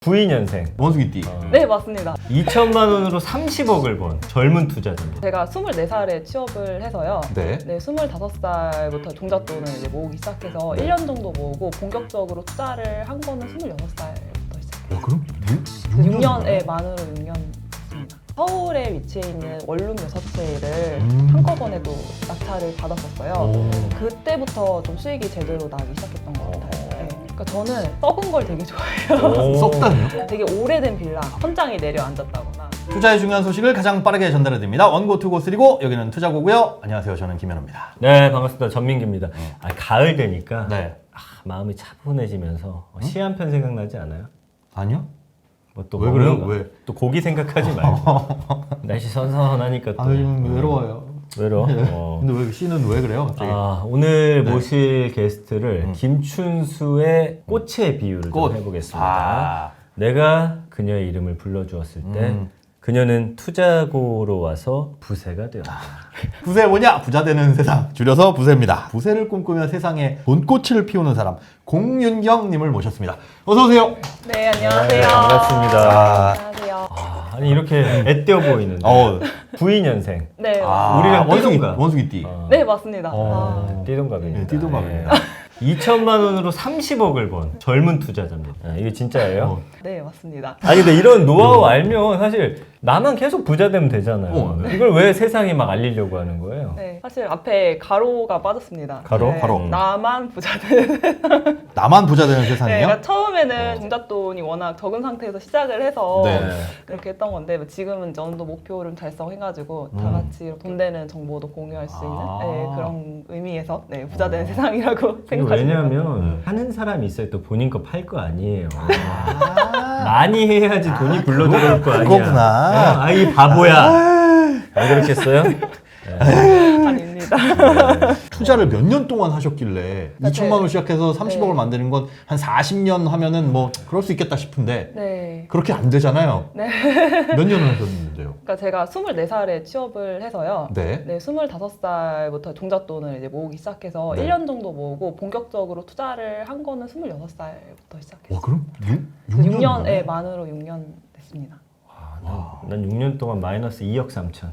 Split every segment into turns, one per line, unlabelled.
92년생.
원숭이띠.
네, 맞습니다.
2천만 원으로 30억을 번 젊은 투자자입니다.
제가 24살에 취업을 해서요.
네.
네, 25살부터 종잣돈을 이제 모으기 시작해서 1년 정도 모으고 본격적으로 투자를 한 거는 26살부터 시작했어요.
그럼
6년, 만으로 6년 됐습니다. 서울에 위치해 있는 원룸 6채를 한꺼번에도 낙찰을 받았었어요. 그때부터 좀 수익이 제대로 나기 시작했던 것 같아요. 네. 그러니까 저는 썩은 걸 되게 좋아해요.
썩다니요?
되게 오래된 빌라, 천장이 내려앉았다거나.
투자의 중요한 소식을 가장 빠르게 전달해드립니다. 원고 투고 쓰리고 여기는 투자고고요. 안녕하세요. 저는 김현우입니다.
네, 반갑습니다. 전민기입니다. 가을 되니까
네.
마음이 차분해지면서 시 한 편 생각나지 않아요?
아니요?
뭐 또
왜
먹는
그래요?
거?
왜?
또 고기 생각하지 말고. 날씨 선선하니까 또
외로워요.
외로워.
근데 왜 씨는 왜 그래요? 갑자기?
오늘 모실 게스트를 김춘수의 꽃의 비유를
꽃.
좀 해보겠습니다.
아.
내가 그녀의 이름을 불러주었을 때 그녀는 투자고로 와서 부세가 되었다.
부세 뭐냐? 부자 되는 세상. 줄여서 부세입니다. 부세를 꿈꾸며 세상에 돈꽃을 피우는 사람 공윤경님을 모셨습니다. 어서 오세요.
네, 안녕하세요.
네, 반갑습니다.
안녕하세요.
아니 이렇게 애띄어 보이는데 92년생.
네,
우리랑 띠동갑.
원숭이띠.
네, 맞습니다.
띠동갑입니다.
네, 띠동갑입니다.
2천만 원으로 30억을 번 젊은 투자자입니다. 이게 진짜예요?
네, 맞습니다.
아니 근데 이런 노하우 알면 사실 나만 계속 부자 되면 되잖아요.
네.
이걸 왜 세상에 막 알리려고 하는 거예요?
네, 사실 앞에 가로가 빠졌습니다.
가로?
네,
가로.
나만 부자 되는.
나만 부자 되는
네,
세상이요?
그러니까 처음에는 종잣돈이 워낙 적은 상태에서 시작을 해서
네.
그렇게 했던 건데 지금은 이제 어느 정도 목표를 달성해가지고 다 같이 돈 되는 정보도 공유할 수 있는 네, 그런 의미에서 네, 부자 되는 세상이라고 생각하시면
왜냐하면 하는 사람이 있어야 또 본인 거 팔 거 아니에요. 많이 해야지 돈이 굴러 들어올 거 아니야.
그거구나.
이 바보야. 안 그렇겠어요?
아닙니다.
투자를 몇 년 동안 하셨길래 2천만 원 시작해서 30억을
네.
만드는 건 한 40년 하면은 뭐 그럴 수 있겠다 싶은데
네.
그렇게 안 되잖아요.
네.
몇 년을 하셨는데요?
그러니까 제가 24살에 취업을 해서요.
네.
네, 25살부터 종잣돈을 이제 모으기 시작해서
네.
1년 정도 모으고 본격적으로 투자를 한 거는 26살부터 시작했어요.
와 그럼
6년, 만으로 6년 됐습니다.
난 6년 동안 마이너스 2억 3천.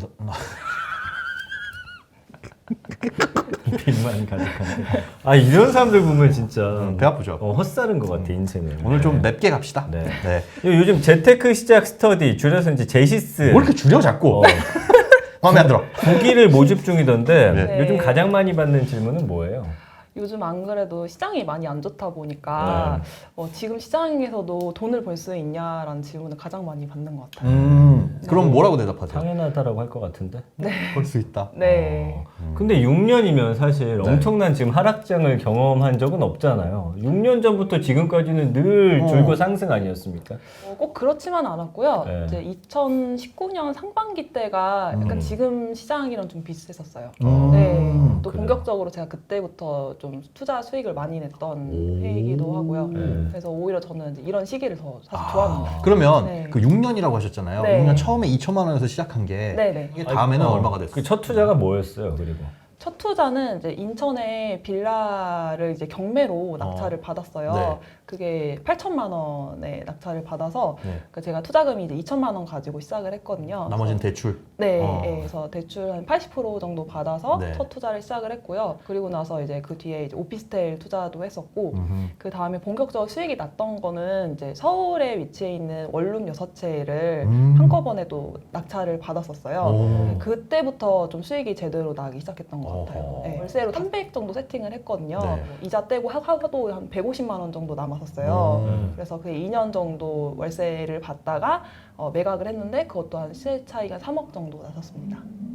빚만 가득한데. 이런 사람들 보면 진짜
배 아프죠?
헛살은 것 같아 인생을.
오늘 좀 맵게 갑시다.
네.
네.
요즘 재테크 시작 스터디 줄여서 이제 제시스
뭐 이렇게 줄여 자꾸? 마음에 안 들어.
9기를 모집 중이던데
네.
요즘 가장 많이 받는 질문은 뭐예요?
요즘 안 그래도 시장이 많이 안 좋다 보니까 지금 시장에서도 돈을 벌 수 있냐라는 질문을 가장 많이 받는 것 같아요.
그럼 뭐라고 대답하세요?
당연하다라고 할 것 같은데.
벌 수 있다.
네.
근데 6년이면 사실 엄청난 지금 하락장을 경험한 적은 없잖아요. 6년 전부터 지금까지는 늘 줄고 상승 아니었습니까?
꼭 그렇지만 않았고요.
네.
이제 2019년 상반기 때가 약간 지금 시장이랑 좀 비슷했었어요.
음.
네. 또
그래요?
본격적으로 제가 그때부터 좀 투자 수익을 많이 냈던 해이기도 하고요. 그래서 오히려 저는 이제 이런 시기를 더 사실 좋아합니다.
그러면
네.
그 6년이라고 하셨잖아요.
네.
6년 처음에 2천만 원에서 시작한 게
네네.
이게 다음에는 얼마가 됐어요?
그 첫 투자가 뭐였어요? 그리고
첫 투자는 이제 인천에 빌라를 이제 경매로 낙찰을 받았어요.
네.
그게 8천만 원에 낙찰을 받아서
네.
그러니까 제가 투자금이 이제 2천만 원 가지고 시작을 했거든요.
나머지는
그래서
대출.
네,
어.
그래서 대출 한 80% 정도 받아서
네.
첫 투자를 시작을 했고요. 그리고 나서 이제 그 뒤에 이제 오피스텔 투자도 했었고, 그 다음에 본격적으로 수익이 났던 거는 이제 서울에 위치해 있는 원룸 6채를 한꺼번에도 낙찰을 받았었어요. 그때부터 좀 수익이 제대로 나기 시작했던 것 같아요. 네, 월세로 300 정도 세팅을 했거든요.
네.
이자 떼고 하도 한 150만 원 정도 남았었어요. 그래서 그 2년 정도 월세를 받다가 매각을 했는데 그것도 한 시세 차이가 3억 정도 나섰습니다.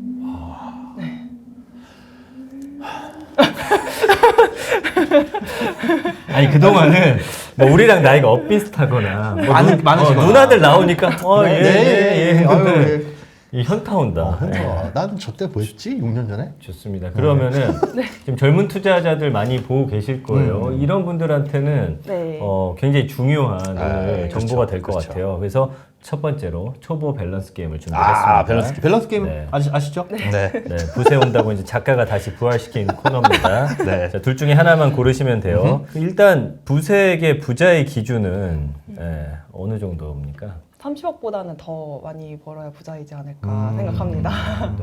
아니 그동안은 뭐 우리랑 나이가 엇비슷하거나 뭐
많으시거나.
누나들 나오니까 예.
아유,
이 현타 온다. 네.
나는 저때 뭐였지? 6년 전에?
좋습니다. 그러면은 지금 젊은 투자자들 많이 보고 계실 거예요. 이런 분들한테는
네.
굉장히 중요한 오늘
그렇죠.
정보가 될 것
그렇죠.
같아요. 그래서 첫 번째로 초보 밸런스 게임을 준비했습니다.
아, 밸런스 게임
네.
아시죠? 네.
네, 부세 온다고 이제 작가가 다시 부활시킨 코너입니다.
네.
자, 둘 중에 하나만 고르시면 돼요. 일단 부세에게 부자의 기준은 어느 정도입니까?
30억보다는 더 많이 벌어야 부자이지 않을까 생각합니다.
네.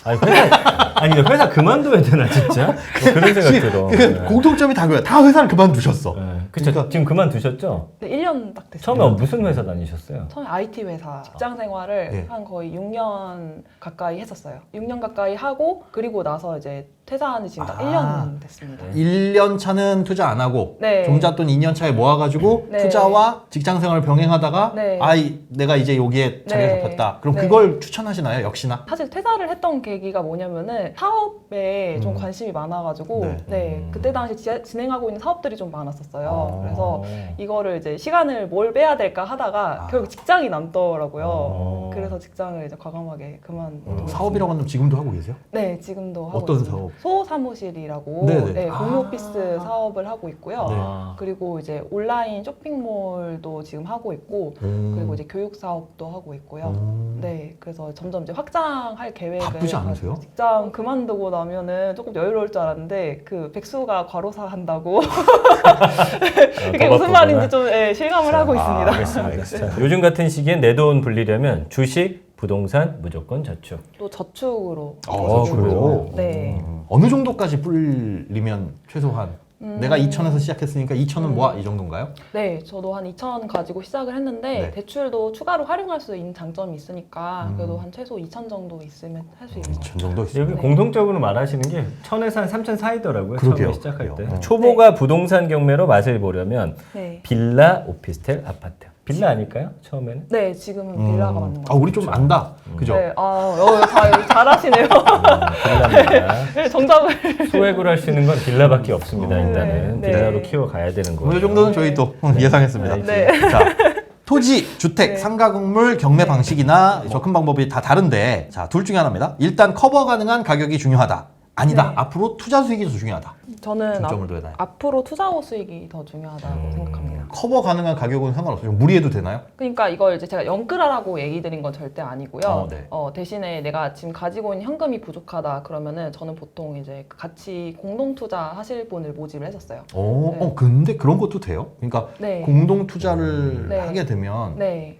아니 회사 그만둬야 되나 진짜? 뭐 그런 생각 들어.
그
네.
공통점이 다 그거야. 다 회사를 그만두셨어.
네. 그쵸. 지금 그만두셨죠?
네, 1년 딱 됐어요.
처음에 무슨 회사 다니셨어요?
처음에 IT 회사 직장 생활을
네.
한 거의 6년 가까이 했었어요. 6년 가까이 하고 그리고 나서 이제 퇴사한 지 지금 딱 1년 됐습니다.
1년 차는 투자 안 하고
네.
종잣돈 2년 차에 모아가지고
네.
투자와 직장 생활을 병행하다가
네.
내가 이제 여기에 자리
네.
잡혔다. 그럼
네.
그걸 추천하시나요? 역시나?
사실 퇴사를 했던 계기가 뭐냐면은 사업에 좀 관심이 많아가지고
네.
네, 그때 당시 진행하고 있는 사업들이 좀 많았었어요.
아.
그래서 이거를 이제 시간을 뭘 빼야 될까 하다가 결국 직장이 남더라고요. 그래서 직장을 이제 과감하게 그만두고
사업이라고 하면 지금도 하고 계세요?
네, 지금도 하고
어떤
있습니다.
사업?
소사무실이라고
네네.
네, 공유 오피스 사업을 하고 있고요.
네.
그리고 이제 온라인 쇼핑몰도 지금 하고 있고 그리고 이제 교육 사업도 하고 있고요. 네, 그래서 점점 이제 확장할 계획을
바쁘지 않으세요?
가지고 직장 그만두고 나면은 조금 여유로울 줄 알았는데 그 백수가 과로사 한다고 그게 무슨 말인지 좀 실감을 하고 있습니다.
알겠습니다. 자, 요즘 같은 시기엔 내 돈 불리려면 주식, 부동산, 무조건 저축.
또 저축으로.
그래요?
네.
어느 정도까지 불리면 최소한 내가 2천에서 시작했으니까 2천은 모아 이 정도인가요?
네, 저도 한 2천 가지고 시작을 했는데
네.
대출도 추가로 활용할 수 있는 장점이 있으니까 그래도 한 최소 2천 정도 있으면 할 수 있는 것
2천 정도 있어요.
여기
네.
공통적으로 말하시는 게 1,000에서 한 3,000 사이더라고요.
그러게요.
처음에 시작할 때.
그래요.
초보가 부동산 경매로 맛을 보려면
네.
빌라, 오피스텔, 아파트. 빌라 아닐까요? 처음에는?
네, 지금은 빌라가 맞는 것
아,
같아요.
우리 좀 안다. 그죠?
네, 잘하시네요.
빌라입니다.
네, 정답을.
소액으로 할 수 있는 건 빌라밖에 없습니다. 일단은
네.
빌라로 키워가야 되는 거예요.
이 정도는 저희 또 예상했습니다.
네.
자, 토지, 주택,
네.
상가 건물 경매 방식이나 접근 방법이 다 다른데 자, 둘 중에 하나입니다. 일단 커버 가능한 가격이 중요하다. 아니다.
네.
앞으로 투자 수익이 더 중요하다.
저는
중점을 둬야 되나요?
앞으로 투자 후 수익이 더 중요하다고 생각합니다.
커버 가능한 가격은 상관없어요. 무리해도 되나요?
그러니까 이걸 이제 제가 영끌하라고 얘기 드린 건 절대 아니고요.
네.
대신에 내가 지금 가지고 있는 현금이 부족하다 그러면은 저는 보통 이제 같이 공동 투자 하실 분을 모집을 했었어요. 네.
근데 그런 것도 돼요? 그러니까
네.
공동 투자를
네.
하게 되면
네.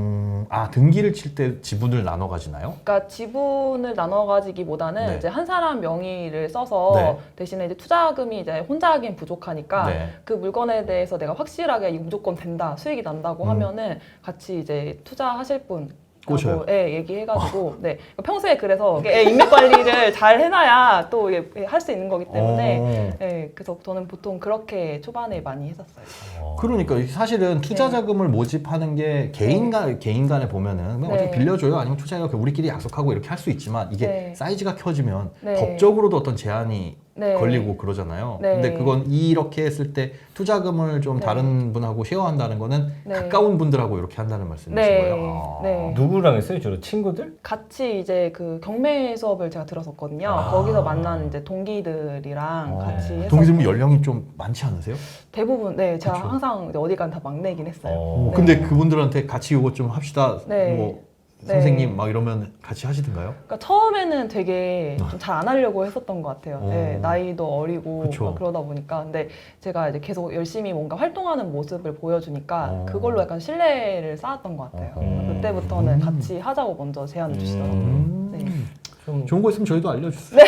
등기를 칠 때 지분을 나눠 가지나요?
그러니까 지분을 나눠 가지기보다는
네.
이제 한 사람 명의를 써서
네.
대신에 이제 투자금이 이제 혼자 하기엔 부족하니까
네.
그 물건에 대해서 내가 확실하게 이거 무조건 된다, 수익이 난다고 하면은 같이 이제 투자하실 분
꼬셔요?
얘기해가지고 네 평소에 그래서 인맥 관리를 잘 해놔야 또 할 수 있는 거기 때문에 그래서 저는 보통 그렇게 초반에 많이 했었어요.
그러니까 사실은 투자 자금을 모집하는 게 개인 간에 보면은 그냥 어떻게
네.
빌려줘요 아니면 투자해요 우리끼리 약속하고 이렇게 할 수 있지만 이게
네.
사이즈가 커지면
네.
법적으로도 어떤 제한이
네.
걸리고 그러잖아요.
네.
근데 그건 이렇게 했을 때 투자금을 좀
네.
다른 분하고 쉐어한다는 거는
네.
가까운 분들하고 이렇게 한다는 말씀이신
네.
거예요.
네.
누구랑 했어요? 주로 친구들?
같이 이제 그 경매 수업을 제가 들었었거든요. 거기서 만난 이제 동기들이랑 같이 했었고
동기들 연령이 좀 많지 않으세요?
대부분 제가
그쵸.
항상 이제 어디 간 다 막내긴 했어요.
네.
근데 그분들한테 같이 이거 좀 합시다.
네.
뭐
네.
선생님 막 이러면 같이 하시던가요?
그러니까 처음에는 되게 좀 잘 안 하려고 했었던 것 같아요. 네, 나이도 어리고
그쵸.
막 그러다 보니까 근데 제가 이제 계속 열심히 뭔가 활동하는 모습을 보여주니까 그걸로 약간 신뢰를 쌓았던 것 같아요. 그때부터는 같이 하자고 먼저 제안을 주시더라고요. 네.
좀
좋은 거 있으면 저희도 알려주세요.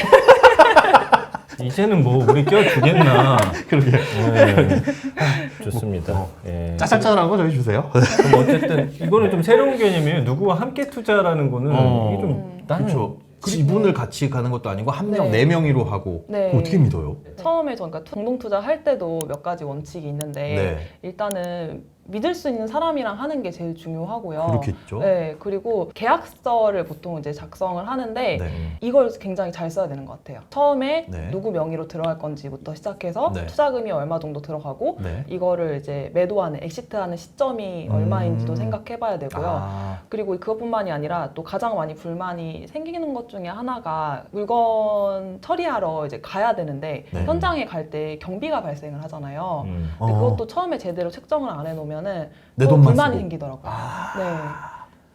이제는 뭐 우리 껴주겠나.
그러게.
네. 좋습니다. 예.
짜잘짜잘한 거 저희 주세요.
그럼 어쨌든 이거는 좀 새로운 개념이에요. 누구와 함께 투자라는 거는 이게 좀 나는
그렇죠. 지분을 같이 가는 것도 아니고 한 명,
네.
네 명이로 하고
네.
그거 어떻게 믿어요?
처음에 저니까 공동 투자 할 때도 몇 가지 원칙이 있는데
네.
일단은 믿을 수 있는 사람이랑 하는 게 제일 중요하고요.
그렇겠죠.
네, 그리고 계약서를 보통 이제 작성을 하는데
네.
이걸 굉장히 잘 써야 되는 것 같아요. 처음에
네.
누구 명의로 들어갈 건지부터 시작해서
네.
투자금이 얼마 정도 들어가고
네.
이거를 이제 매도하는, 엑시트하는 시점이 얼마인지도 생각해봐야 되고요.
아,
그리고 그것뿐만이 아니라 또 가장 많이 불만이 생기는 것 중에 하나가 물건 처리하러 이제 가야 되는데
네.
현장에 갈 때 경비가 발생을 하잖아요. 근데
어.
그것도 처음에 제대로 책정을 안 해놓으면은
내
또
돈만
불만이
쓰고.
생기더라고요.
아.
네.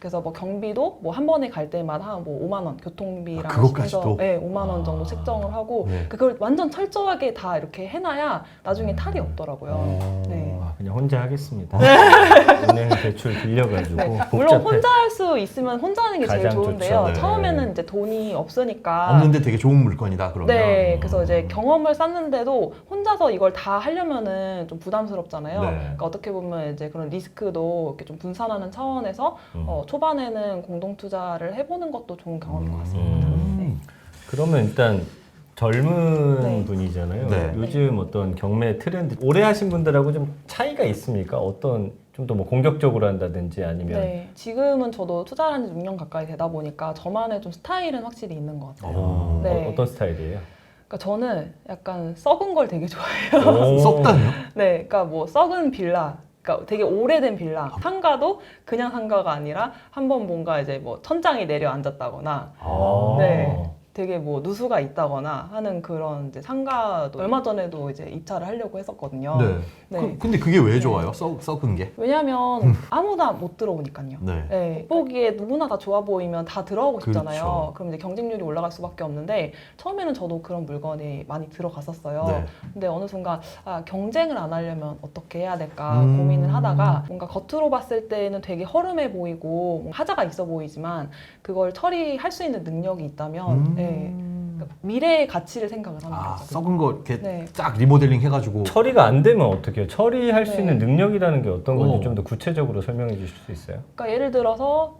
그래서 뭐 경비도 뭐 한 번에 갈 때마다 뭐 5만 원 교통비랑
그것까지도?
네, 5만 원 정도 책정을 하고
네.
그걸 완전 철저하게 다 이렇게 해놔야 나중에 탈이 없더라고요. 네.
아, 그냥 혼자 하겠습니다. 은행 대출 빌려가지고
네,
복잡해.
물론 혼자 할 수 있으면 혼자 하는 게 제일
가장
좋은데요.
좋죠. 네.
처음에는 이제 돈이 없으니까
없는데 되게 좋은 물건이다 그러면.
네, 그래서 이제 경험을 쌓는데도 혼자서 이걸 다 하려면은 좀 부담스럽잖아요.
네.
그러니까 어떻게 보면 이제 그런 리스크도 이렇게 좀 분산하는 차원에서 초반에는 공동 투자를 해보는 것도 좋은 경험인 것 같습니다. 네.
그러면 일단 젊은
네.
분이잖아요.
네.
요즘 어떤 경매 트렌드 오래 하신 분들하고 좀 차이가 있습니까? 어떤 좀 더 뭐 공격적으로 한다든지 아니면
네, 지금은 저도 투자를 한 지 6년 가까이 되다 보니까 저만의 좀 스타일은 확실히 있는 것 같아요. 네.
어떤 스타일이에요?
그러니까 저는 약간 썩은 걸 되게 좋아해요.
오.
썩다니요?
네, 그러니까 뭐 썩은 빌라, 그러니까 되게 오래된 빌라. 상가도 그냥 상가가 아니라 한번 뭔가 이제 뭐 천장이 내려앉았다거나,
아.
네, 되게 뭐 누수가 있다거나 하는 그런 이제 상가도 얼마 전에도 이제 입찰을 하려고 했었거든요.
네.
네.
근데 그게 왜 좋아요? 썩은 게?
왜냐하면 아무나 못 들어오니까요.
네.
네, 보기에 누구나 다 좋아 보이면 다 들어가고 싶잖아요.
그렇죠.
그럼 이제 경쟁률이 올라갈 수밖에 없는데 처음에는 저도 그런 물건이 많이 들어갔었어요.
네.
근데 어느 순간 경쟁을 안 하려면 어떻게 해야 될까 고민을 하다가 뭔가 겉으로 봤을 때는 되게 허름해 보이고 하자가 있어 보이지만 그걸 처리할 수 있는 능력이 있다면 네, 그러니까 미래의 가치를 생각을 하는
아,
거죠.
썩은 거 이렇게
네.
쫙 리모델링 해가지고.
처리가 안 되면 어떻게 해요? 처리할 수
네.
있는 능력이라는 게 어떤 건지
오.
좀 더 구체적으로 설명해 주실 수 있어요?
그러니까 예를 들어서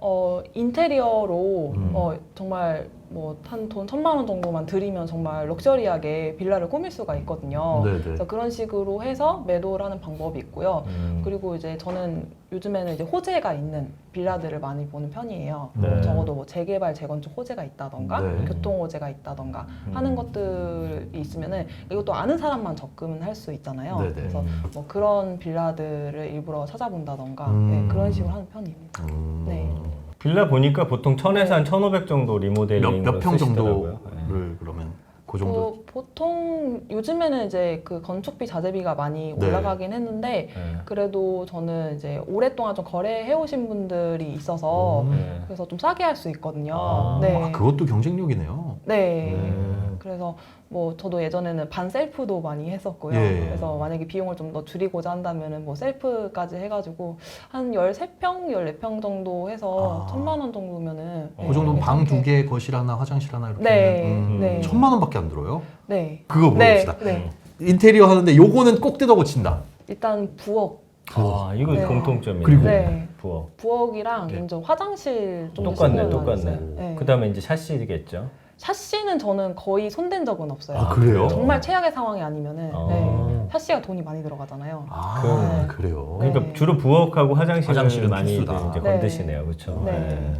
인테리어로 정말 뭐 한 돈 1,000만 원 정도만 들이면 정말 럭셔리하게 빌라를 꾸밀 수가 있거든요.
네네.
그래서 그런 식으로 해서 매도를 하는 방법이 있고요. 그리고 이제 저는 요즘에는 이제 호재가 있는 빌라들을 많이 보는 편이에요.
네.
적어도 뭐 재개발, 재건축 호재가 있다던가
네.
교통 호재가 있다던가 하는 것들이 있으면은 이것도 아는 사람만 접근을 할 수 있잖아요.
네네.
그래서 뭐 그런 빌라들을 일부러 찾아본다던가
음.
네, 그런 식으로 하는 편입니다. 네.
빌라 보니까 보통 1,000에서 한 1,500 정도 리모델링으로
몇 평
쓰시더라고요.
정도를
네.
그러면 그 정도.
보통 요즘에는 이제 그 건축비 자재비가 많이
네.
올라가긴 했는데
네.
그래도 저는 이제 오랫동안 좀 거래해 오신 분들이 있어서
네.
그래서 좀 싸게 할 수 있거든요.
아,
네.
아, 그것도 경쟁력이네요.
네.
네.
그래서 뭐 저도 예전에는 반 셀프도 많이 했었고요.
예.
그래서 만약에 비용을 좀 더 줄이고자 한다면은 뭐 셀프까지 해가지고 한 13평, 14평 정도 해서
아.
1,000만 원 정도면은
그 정도면 방
괜찮게.
2개, 거실 하나, 화장실 하나 이렇게
네.
하면
네.
1,000만 원밖에 안 들어요?
네.
그거
네.
물어봅시다.
네.
인테리어 하는데 요거는 꼭 뜯어 고친다.
일단 부엌.
아, 이거
네.
공통점이에요.
그리고
네.
부엌.
부엌이랑
네.
이제 화장실 좀
똑같네,
신경을
똑같네.
많이 써요. 네.
그다음에 이제 샤시겠죠.
샤시는 저는 거의 손댄 적은 없어요.
아, 그래요?
정말 최악의 상황이 아니면은
아.
네. 샤시가 돈이 많이 들어가잖아요.
아, 그래요.
네.
그러니까 주로 부엌하고 화장실을 많이
필수다.
이제
네.
건드시네요, 그렇죠?
네.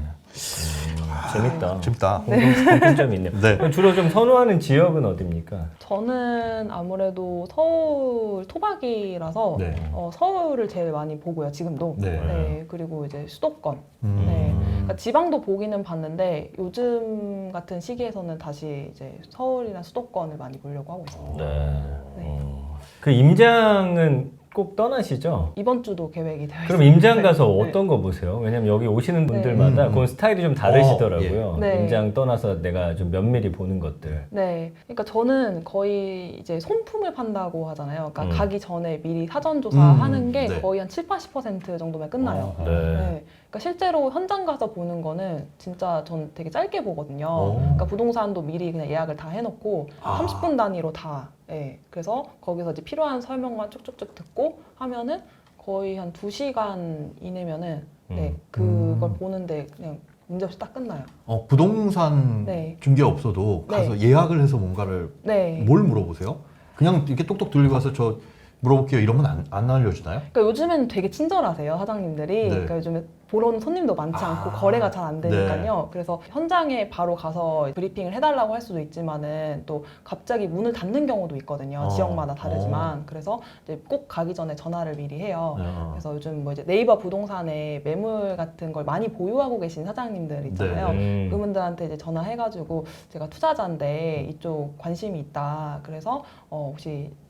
재밌다.
재밌다.
공통점이 있네요.
네.
그럼 주로 좀 선호하는 지역은 어디입니까?
저는 아무래도 서울 토박이라서
네.
서울을 제일 많이 보고요. 지금도.
네.
네. 그리고 이제 수도권.
음.
네. 그러니까 지방도 보기는 봤는데 요즘 같은 시기에서는 다시 이제 서울이나 수도권을 많이 보려고 하고 있습니다.
네. 그 임장은 꼭 떠나시죠?
이번 주도 계획이 되어
그럼
있습니다.
임장 가서
네.
어떤 거 보세요? 왜냐면 여기 오시는 분들마다
네.
그건 스타일이 좀 다르시더라고요.
네.
임장 떠나서 내가 좀 면밀히 보는 것들.
네, 그러니까 저는 거의 이제 손품을 판다고 하잖아요. 그러니까 가기 전에 미리 사전 조사하는 게
네.
거의 한 7-80% 정도면 끝나요.
네.
네. 그러니까 실제로 현장 가서 보는 거는 진짜 전 되게 짧게 보거든요.
오.
그러니까 부동산도 미리 그냥 예약을 다 해놓고
아.
30분 단위로 다. 예. 그래서 거기서 이제 필요한 설명만 쭉쭉쭉 듣고 하면은 거의 한 2시간 이내면은 네, 그걸 보는데 그냥 문제없이 딱 끝나요.
부동산
네.
중개업소도 가서 예약을 해서 뭔가를
네.
뭘 물어보세요? 그냥 이렇게 똑똑 들고 가서 저 물어볼게요 이러면 안 알려주나요?
그러니까 요즘에는 되게 친절하세요 사장님들이.
네.
그러니까 요즘에 보러 오는 손님도 많지 않고 거래가 잘 안 되니까요. 그래서 현장에 바로 가서 브리핑을 해달라고 할 수도 있지만은 또 갑자기 문을 닫는 경우도 있거든요. 지역마다 다르지만. 그래서 이제 꼭 가기 전에 전화를 미리 해요. 그래서 요즘 뭐 이제 네이버 부동산에 매물 같은 걸 많이 보유하고 계신 사장님들 있잖아요.
네.
그분들한테 이제 전화해가지고 제가 투자자인데 이쪽 관심이 있다. 그래서 혹시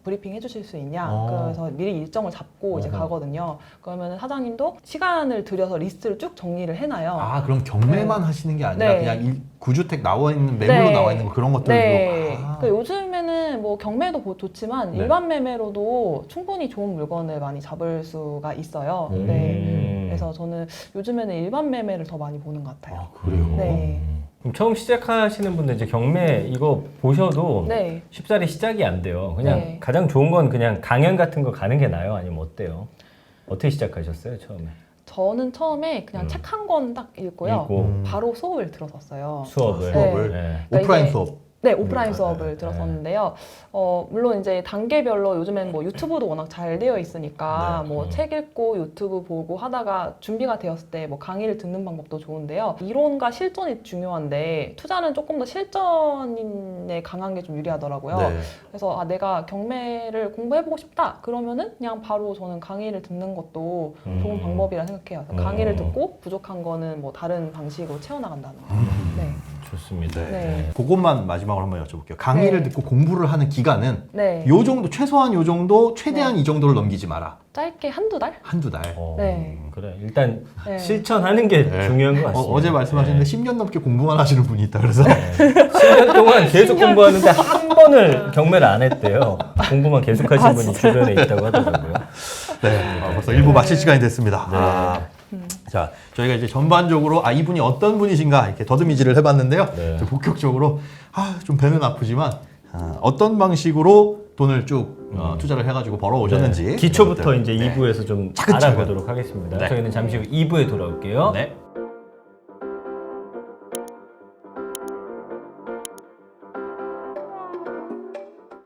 브리핑 해주실 수 있냐.
어.
그래서 미리 일정을 잡고 이제
어허.
가거든요. 그러면 사장님도 시간을 들여서 리스트를 쭉 정리를 해놔요.
아, 그럼 경매만 하시는 게 아니라
네.
그냥 구주택 나와 있는 매물로
네.
나와 있는 거 그런 것들도.
네.
아.
그러니까 요즘에는 뭐 경매도 좋지만
네.
일반 매매로도 충분히 좋은 물건을 많이 잡을 수가 있어요.
음.
네. 그래서 저는 요즘에는 일반 매매를 더 많이 보는 것 같아요.
아, 그래요?
네.
그럼 처음 시작하시는 분들 이제 경매 이거 보셔도
네.
쉽사리 시작이 안 돼요. 그냥
네.
가장 좋은 건 그냥 강연 같은 거 가는 게 나아요? 아니면 어때요? 어떻게 시작하셨어요, 처음에?
저는 처음에 그냥 책 한 권 딱 읽고요.
읽고
바로 수업을 들었었어요.
수업을.
수업을?
네.
오프라인
이게-
수업.
네, 오프라인
네,
수업을
네,
들었었는데요. 물론 이제 단계별로 요즘엔 뭐 유튜브도 워낙 잘 되어 있으니까
네,
뭐 책 읽고 유튜브 보고 하다가 준비가 되었을 때 뭐 강의를 듣는 방법도 좋은데요. 이론과 실전이 중요한데 투자는 조금 더 실전에 강한 게 좀 유리하더라고요.
네.
그래서 아, 내가 경매를 공부해보고 싶다. 그러면은 그냥 바로 저는 강의를 듣는 것도 좋은 방법이라 생각해요. 그래서 강의를 듣고 부족한 거는 뭐 다른 방식으로 채워나간다는 거. 네.
좋습니다.
네.
그것만 마지막으로 한번 여쭤볼게요. 강의를
네.
듣고 공부를 하는 기간은
네.
요 정도, 최소한 요 정도, 최대한 이 정도를 넘기지 마라.
짧게 한두 달?
한두 달.
네.
그래. 일단
네.
실천하는 게
네.
중요한 것 같습니다.
어제 말씀하셨는데 10년 넘게 공부만 하시는 분이 있다 그래서
10년 동안 계속 공부하는데 한 번을 경매를 안 했대요. 공부만 계속 하신 분이 주변에 있다고 하더라고요.
네, 벌써 일부 마칠 시간이 됐습니다. 아, 자, 저희가 이제 전반적으로 이분이 어떤 분이신가 이렇게 더듬이질을 해봤는데요.
네.
좀 본격적으로 좀 배는 아프지만 어떤 방식으로 돈을 쭉 투자를 해가지고 벌어오셨는지
기초부터
이런
이제
것들.
2부에서 좀
차근차근.
알아보도록 하겠습니다.
네.
저희는 잠시 후 2부에 돌아올게요.
네.